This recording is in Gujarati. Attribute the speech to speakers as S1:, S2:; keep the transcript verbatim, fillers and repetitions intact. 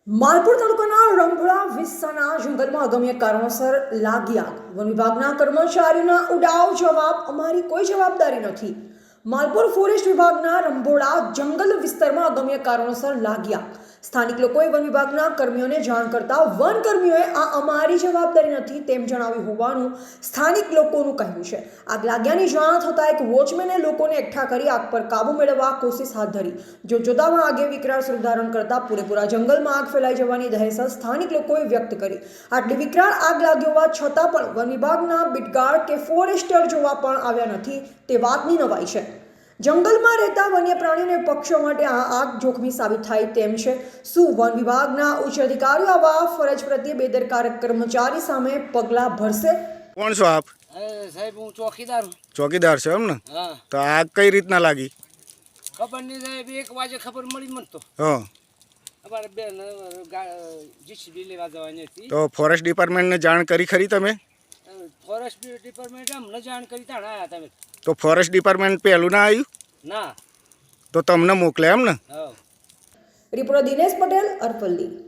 S1: માલપુર તાલુકાના રંભોળા વિસ્તારના જંગલમાં અગમ્ય કારણોસર લાગી આગ. વન વિભાગના કર્મચારીઓના ઉડાવ જવાબ, અમારી કોઈ જવાબદારી નથી. માલપુર ફોરેસ્ટ વિભાગના રંભોળા જંગલ વિસ્તારમાં અગમ્ય કારણોસર લાગી આગ. સ્થાનિક લોકોએ વન વિભાગના કર્મીઓને જાણ કરતા વન કર્મીઓએ આ અમારી જવાબદારી નથી તેમ જણાવ્યું હોવાનું સ્થાનિક લોકોનું કહેવું છે. આગ લાગ્યાની જાણ થતાં એક વોચમેને લોકોને એકઠા કરી આગ પર કાબુ મેળવવા કોશિશ હાથ ધરી. જો જોતામાં આગે વિકરાળ સ્વરૂપ ધારણ કરતા પૂરેપૂરા જંગલમાં આગ ફેલાઈ જવાની દહેશત સ્થાનિક લોકોએ વ્યક્ત કરી. આટલી વિકરાળ આગ લાગી હોવા છતાં પણ વન વિભાગના બીટગાર્ડ કે ફોરેસ્ટર જોવા પણ આવ્યા નથી તે વાતની નવાઈ છે. જંગલમાં રહેતા વન્ય પ્રાણીઓ અને પક્ષીઓ માટે આ આગ જોખમી સાબિત થાય તેમ છે. શું વન વિભાગના ઉચ્ચ અધિકારીઓ આવા ફરજ પ્રત્યે બેદરકાર કર્મચારી સામે પગલાં ભરશે?
S2: કોણ છો આપ?
S3: સાહેબ હું ચોકીદાર છું.
S2: ચોકીદાર છો એમ ને?
S3: હા.
S2: તો આગ કઈ રીતના લાગી?
S3: ખબર નહીં સાહેબ, એક વાગે ખબર મળી મને તો.
S2: હા.
S3: અમારે બેન જીસીબી લેવા જવાની હતી.
S2: તો ફોરેસ્ટ ડિપાર્ટમેન્ટને જાણ કરી ખરી તમે?
S3: ફોરેસ્ટ ડિપાર્ટમેન્ટ અમને જાણ કરી તાણ આવ્યા તમે.
S2: તો ફોરેસ્ટ ડિપાર્ટમેન્ટ પહેલું ના આવ્યું?
S3: ના.
S2: તો તમને મોકલે એમ ને?
S3: હા.
S1: રિપોર્ટર દિનેશ પટેલ, અરવલ્લી.